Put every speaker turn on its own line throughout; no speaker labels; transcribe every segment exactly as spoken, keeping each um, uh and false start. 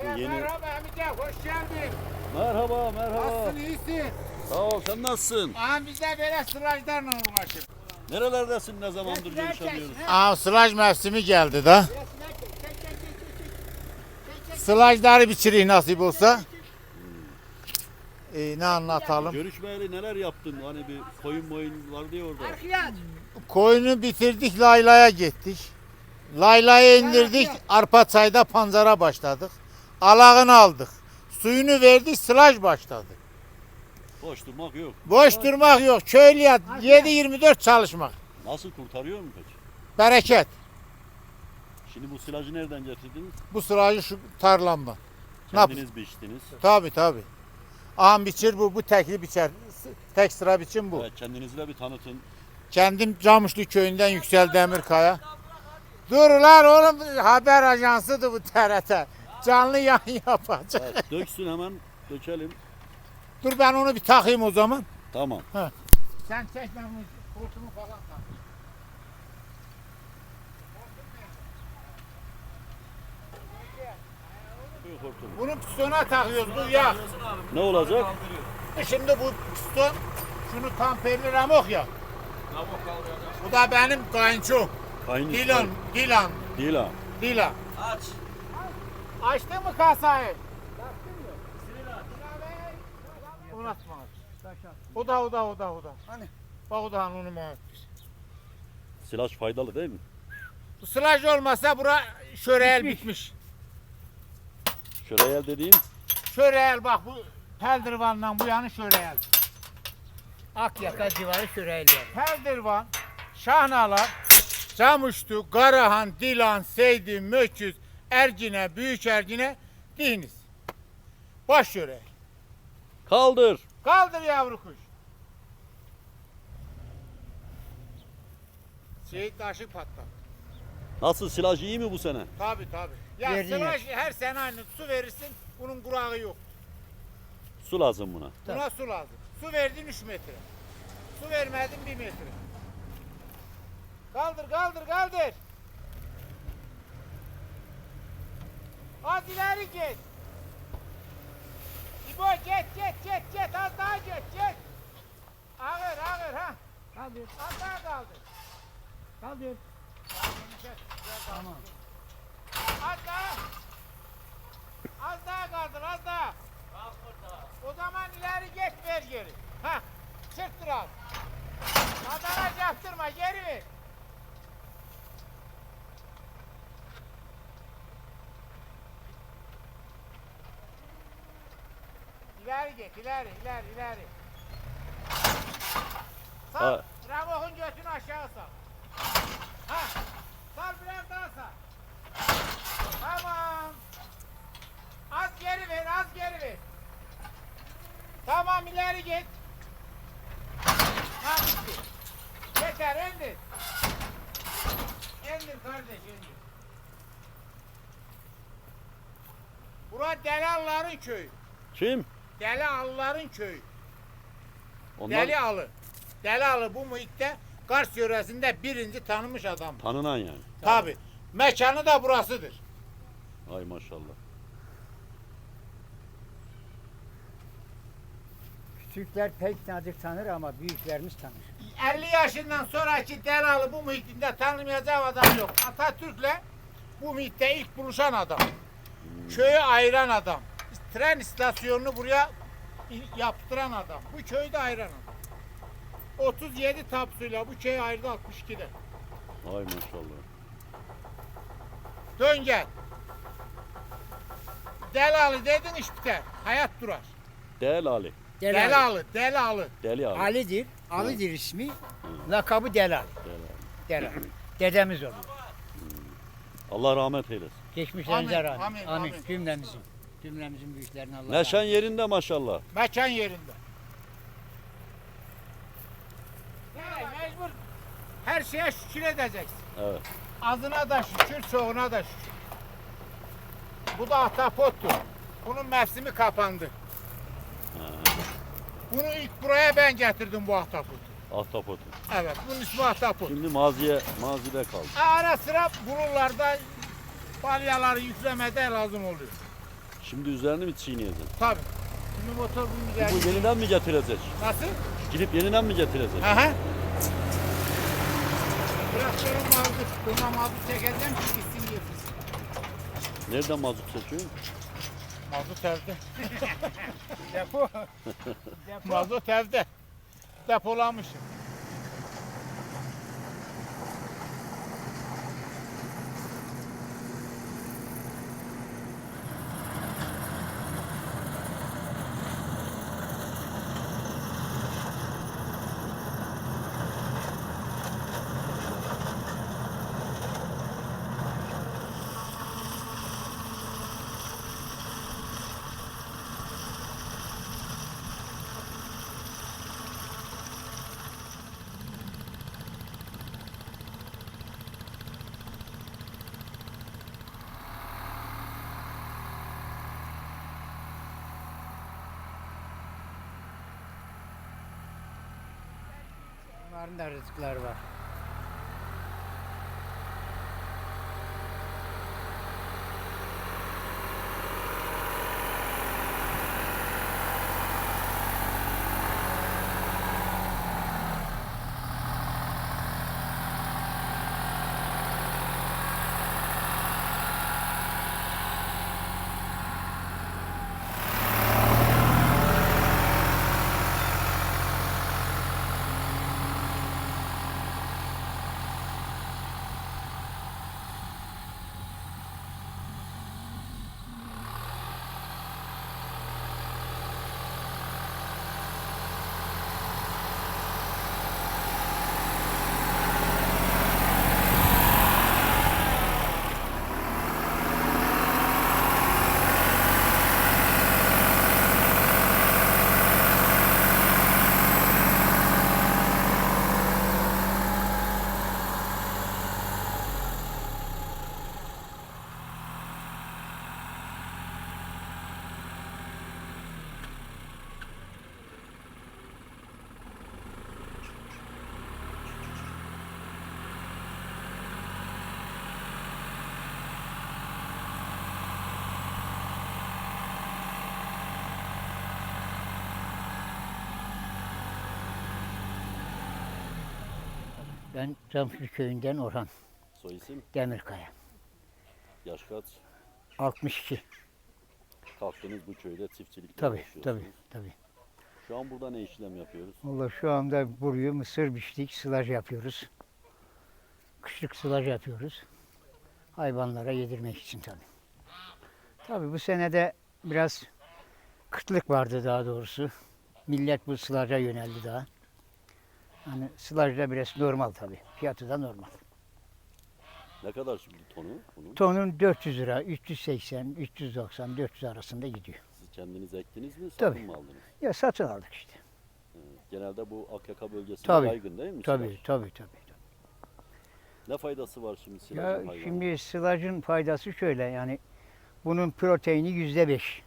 Yeni...
Merhaba amca, hoş geldin.
Merhaba, merhaba.
Nasılsın, iyisin?
Sağ ol, sen nasılsın?
Aha biz de böyle sılajlarla uğraşıyoruz.
Nerelerdesin, ne zamandır görüşemiyoruz?
Aha sılaj mevsimi geldi da. Sılajları biçireyim nasip olsa. Ee, ne anlatalım?
Görüşmeyeli neler yaptın? Hani bir koyun moyun var diye orada.
Koyunu bitirdik, Layla'ya gittik. Layla'yı indirdik, Arpaçay'da pancara başladık. Alağını aldık. Suyunu verdik, sılaj başladı.
Boş durmak yok.
Boş durmak yok. Köylüye yedi yirmi dört çalışmak.
Nasıl kurtarıyor mu peki?
Bereket.
Şimdi bu silajı nereden getirdiniz?
Bu sılajı şu tarlamda. Ne yap-
Kendiniz biçtiniz.
Tabii tabii. Ağam biçir bu, bu tekli biçer. Tek sıra biçim bu.
Evet, kendinizi de bir tanıtın.
Kendim Camışlı köyünden Yüksel Demirkaya. Dur lan oğlum, haber ajansıdır bu T R T. Canlı yayın yapacak.
Evet, döksün hemen, dökelim.
Dur ben onu bir takayım o zaman.
Tamam.
Sen çek, ben bunu kurtumu falan tak.
Buyur hortum.
Bunu pistona takıyoruz, bu yağ.
Ne olacak?
Şimdi bu piston, şunu tamperli ramok ya. Bu da benim kayınçom.
Kayın
Dilan, Dilan,
Değil ha.
Dilan.
Aç.
Açtın mı kasayı? Açtın mı? Unutma. O da, o da, o da, o da. Hani? Bak o da onu mu?
Silaj faydalı değil mi?
Bu sılaj olmasa bura şöreyel bitmiş.
Şuraya dediğin
Şöreyel bak, bu Peldirvan'dan bu yanı şöreyel.
Akyaka civarı Şüreyliler.
Peldirvan, Şahnalar, Camıştu, Karahan, Dilan, Seydi, Möküz, Ergine, Büyük Ergine, Diniz. Baş şöreyel.
kaldır.
Kaldır yavru kuş. Seyit taşı patladı.
Nasıl, silaj iyi mi bu sene?
Tabi tabi. Ya
Verdin
sılaj her sene aynı. Su verirsin, bunun kurağı yok.
Su lazım buna.
Buna su lazım. Su verdin üç metre. Su vermedin bir metre. Kaldır kaldır kaldır. Az ileri git. İbo git git git git, az daha git git. Ağır ağır ha.
Kaldır.
Az daha kaldır.
Kaldır.
Tamam. Az daha. Az daha kaldır, az daha. O zaman ileri geç, ver geri. Ha, çıktır az. Adana yaptırma, geri ver. İleri geç, ileri, ileri, ileri. Sal,
Ha.
Ramok'un götünü aşağı sal. Ha, sal biraz daha sal. Tamam. Az geri ver, az geri ver. Tamam, ileri git. Ha, bitti. Yeter, indir. İndir kardeş, indir. Bura Delialıların köyü.
Kim?
Delialıların köyü.
Onlar
Delialı. Delialı bu muhitte Kars yöresinde birinci tanınmış adam.
tanınan yani.
Tabi. Mekanı da burasıdır.
Ay maşallah.
Küçükler pek nazik tanır ama büyüklerimiz tanır.
elli yaşından sonraki Delalı bu muhitinde tanımayacak adam yok. Atatürk'le bu muhitte ilk buluşan adam. Köyü ayıran adam. Tren istasyonunu buraya yaptıran adam. Bu köyü de ayıran adam. otuz yedi tapsuyla bu köyü ayırdı altmış ikide.
Ay maşallah.
Dön gel. Delalı dedin iş biter. Hayat durar.
Del Ali.
Delal.
Delalı, Delalı.
Deli Ali.
Ali'dir. Ali'dir ismi. Lakabı Delal.
Del Ali.
Delal. Dedemiz oluyor.
Allah rahmet eylesin.
Geçmişlerinize
Amin,
rahmet.
amin,
Amin.
amin.
Cümlemizin. Cümlemizin büyüklerine Allah
Neşen
rahmet.
yerinde maşallah.
Mekan yerinde. Yani mecbur her şeye şükür edeceksin.
Evet.
Azına da şükür, çoğuna da şükür. Bu da ahtapottur. Bunun mevsimi kapandı. Bunu ilk buraya ben getirdim bu ahtapotu.
Ahtapotu.
Evet, bunun ismi ahtapot.
Şimdi maziye, mazide kaldı.
Ara sıra buralarda balyaları yüklemede lazım oluyor.
Şimdi üzerine mi çiğneyeceksin?
Tabii. Şimdi motor bunun
Bu
üzerine.
yeniden mi getirecek?
Nasıl?
Gidip yeniden mi getirecek?
Aha. Traktörün mazot. Buna mazot çekeceğim ki gitsin getirsin.
Nereden mazot çekiyorsun?
Mazot evde. Depo. Mazot evde. Depolamışım.
Bunların da rızıkları var. Ben Camşır köyünden Orhan
Soy isim,
Demirkaya.
yaş kaç?
altmış iki.
Kalktınız bu köyde çiftçilikle
Tabii,
uğraşıyorsunuz.
tabii, tabii.
Şu an burada ne işlem yapıyoruz?
Valla şu anda buraya mısır biçtik, sılaj yapıyoruz. Kışlık sılaj yapıyoruz. Hayvanlara yedirmek için tabii. Tabii bu senede biraz kıtlık vardı daha doğrusu. Millet bu sılaja yöneldi daha. Hani sılaj da biraz normal tabii. Fiyatı da normal.
Ne kadar şimdi tonu bunun?
Tonun dört yüz lira, üç yüz seksen, üç yüz doksan, dört yüz arasında gidiyor.
Siz kendiniz ektiniz mi?
Tabii.
Satın mı aldınız?
Ya satın aldık işte.
Genelde bu Akyaka bölgesinde
Tabii,
yaygın değil mi?
Tabii,
silaj?
tabii, tabii.
Ne faydası var şimdi
Ya
silajın hayvana?
şimdi sılacın faydası şöyle yani bunun proteini yüzde beş.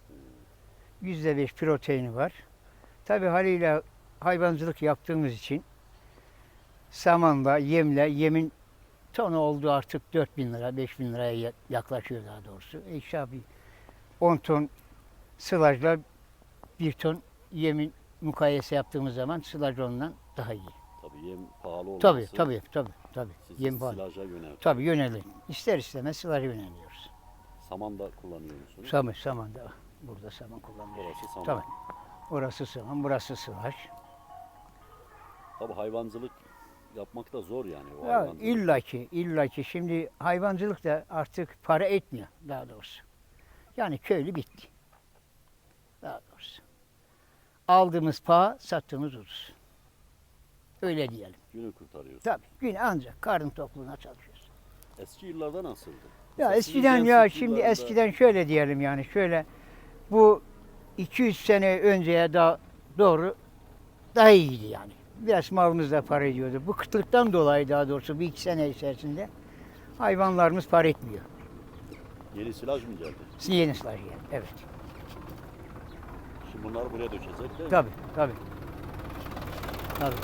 Yüzde beş proteini var. Tabii haliyle hayvancılık yaptığımız için samanla, yemle, yemin tonu oldu artık dört bin lira, beş bin liraya ya- yaklaşıyor daha doğrusu. E işte abi on ton sılajla bir ton yemin mukayese yaptığımız zaman sılaj ondan daha iyi.
Tabii yem pahalı olması.
Tabii, tabii, tabii, tabii.
Sizi
Yem pahalı.
silaja yöneltiyor.
Tabii yönelir. İster istemez sılaja yöneliyoruz.
Saman da kullanıyor musunuz?
Saman, saman da burada saman kullanıyoruz.
Orası saman.
Tabii. Orası saman, burası sılaj.
Tabii hayvancılık yapmak da zor yani. O
Ya
hayvancılık.
illaki, illaki şimdi hayvancılık da artık para etmiyor daha doğrusu. Yani köylü bitti. Daha doğrusu. Aldığımız paha, sattığımız ucuz. Öyle diyelim.
Günü kurtarıyor.
Tabii. Gün ancak karın tokluğuna çalışıyoruz.
Eski yıllarda nasıldı?
Ya
Mesela
eskiden
sizin
ya
gençlik
şimdi
yıllarında-
eskiden şöyle diyelim yani şöyle bu iki yüz sene önceye daha doğru daha iyiydi yani. Biraz malımız da para ediyordu. Bu kıtlıktan dolayı daha doğrusu bir iki sene içerisinde hayvanlarımız para etmiyor.
Yeni silaj mı geldi?
Yeni sılaj yani. Evet.
Şimdi bunları buraya dökecek değil mi?
Tabii, tabii. Tabii.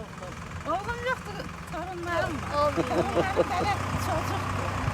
Oğlum yoktu, torunlarım var.
Olmuyor.
Torunlarım böyle çocuktu.